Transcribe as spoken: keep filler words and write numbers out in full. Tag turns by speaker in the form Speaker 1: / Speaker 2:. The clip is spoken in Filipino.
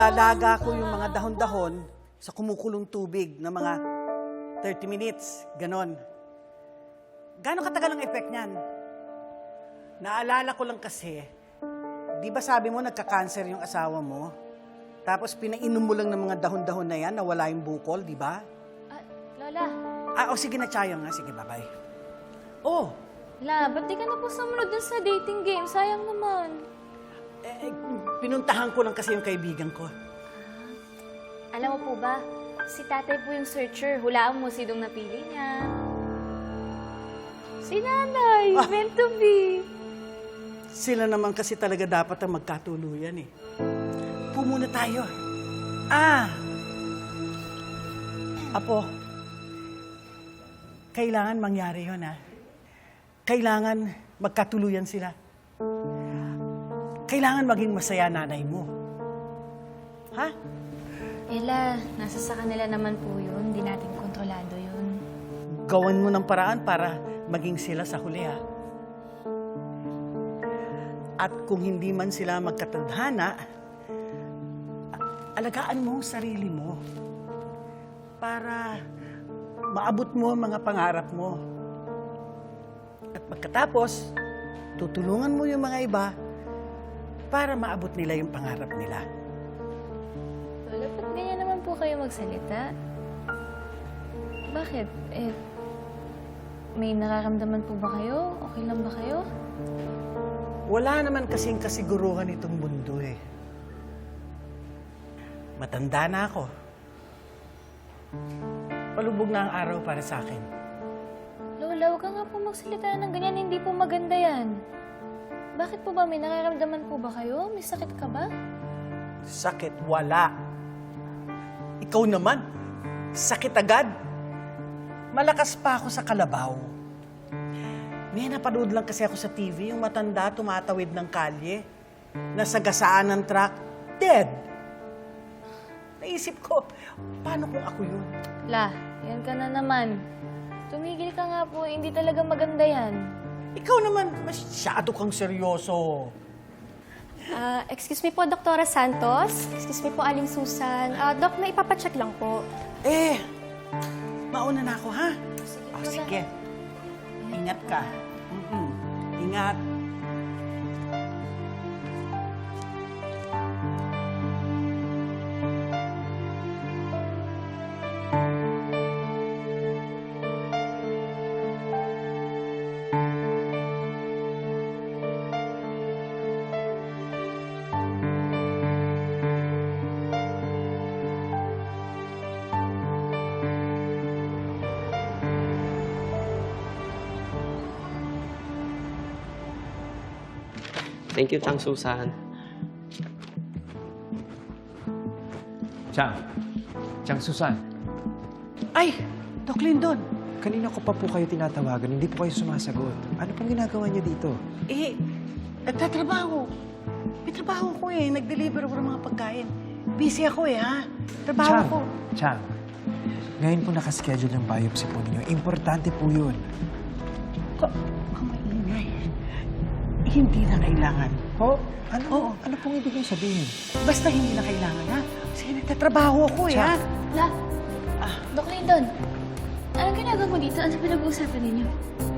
Speaker 1: Alaga ko yung mga dahon-dahon sa kumukulong tubig na mga thirty minutes, ganon. Gano'ng katagal ang effect niyan? Naalala ko lang kasi, di ba sabi mo nagka-cancer yung asawa mo? Tapos pinainom mo lang ng mga dahon-dahon na yan na wala yung bukol, di ba?
Speaker 2: Ah, Lola.
Speaker 1: Ah, o sige na, Chayang nga. Sige, bye-bye. Oh,
Speaker 2: La, ba't di ka na po sumunod dun sa dating game? Sayang naman.
Speaker 1: eh, pinuntahan ko lang kasi yung kaibigan ko.
Speaker 2: Alam mo po ba, si tatay po yung searcher. Hulaan mo sinong napili niya. Si nanay,
Speaker 1: Ah.
Speaker 2: meant to be.
Speaker 1: Sila naman kasi talaga dapat ang magkatuluyan eh. Pumuna tayo. Ah! Apo, kailangan mangyari yun, ha? Kailangan magkatuluyan sila. Kailangan maging masaya nanay mo. Ha?
Speaker 2: Ella, nasa sa kanila naman po yun. Hindi natin kontrolado yun.
Speaker 1: Gawan mo ng paraan para maging sila sa huli, ha? At kung hindi man sila magkatadhana, alagaan mo ang sarili mo para maabot mo ang mga pangarap mo. At pagkatapos, tutulungan mo yung mga iba para maabot nila yung pangarap nila.
Speaker 2: Lola, ba't ganyan naman po kayo magsalita? Bakit? Eh, may nararamdaman po ba kayo? Okay lang ba kayo?
Speaker 1: Wala naman kasing kasiguruhan itong mundo eh. Matanda na ako. Palubog na ang araw para sa akin.
Speaker 2: Lola, huwag ka nga po magsalita ng ganyan. Hindi po maganda yan. Bakit po ba? May nararamdaman po ba kayo? May sakit ka ba?
Speaker 1: Sakit, wala. Ikaw naman, sakit agad. Malakas pa ako sa kalabaw. May napanood lang kasi ako sa T V, yung matanda tumatawid ng kalye, nasagasaan ng truck, dead. Naisip ko, paano kung ako yun?
Speaker 2: La, yan ka na naman. Tumigil ka nga po. Hindi talaga maganda yan.
Speaker 1: Ikaw naman, masyado kang seryoso.
Speaker 3: Ah, excuse me po, Doktora Santos. Excuse me po, Aling Susan. Ah, Dok, may ipapacheck lang po.
Speaker 1: Eh, mauna na ako, ha?
Speaker 2: Sige,
Speaker 1: Oh,
Speaker 2: Lola.
Speaker 1: sige. Ingat ka. Mm-mm. Ingat.
Speaker 4: Thank you, Chang Susan.
Speaker 5: Chang. Chang Susan.
Speaker 1: Ay, Doc Lindon.
Speaker 5: Kanina ko pa po kayo tinatawagan, hindi po kayo sumasagot. Ano pong ginagawa niyo dito?
Speaker 1: Eh, nagtatrabaho. May trabaho ko eh. Nag-deliver ako ng mga pagkain. Busy ako eh, ha? Trabaho
Speaker 5: Chang,
Speaker 1: ko.
Speaker 5: Chang. Ngayon po nakaschedule yung biopsy po ninyo. Importante po yun.
Speaker 1: Ka kamaingay. Hindi na kailangan.
Speaker 5: Po? Ano?
Speaker 1: Oo.
Speaker 5: Ano pong ibig niyong sabihin?
Speaker 1: Basta hindi na kailangan, ha? Kasi nagtatrabaho ako eh, ha?
Speaker 5: Chang.
Speaker 2: La,
Speaker 1: Ah.
Speaker 2: Doc Lindon. Anong ginagawa mo dito? Ano pinag-uusapan ninyo?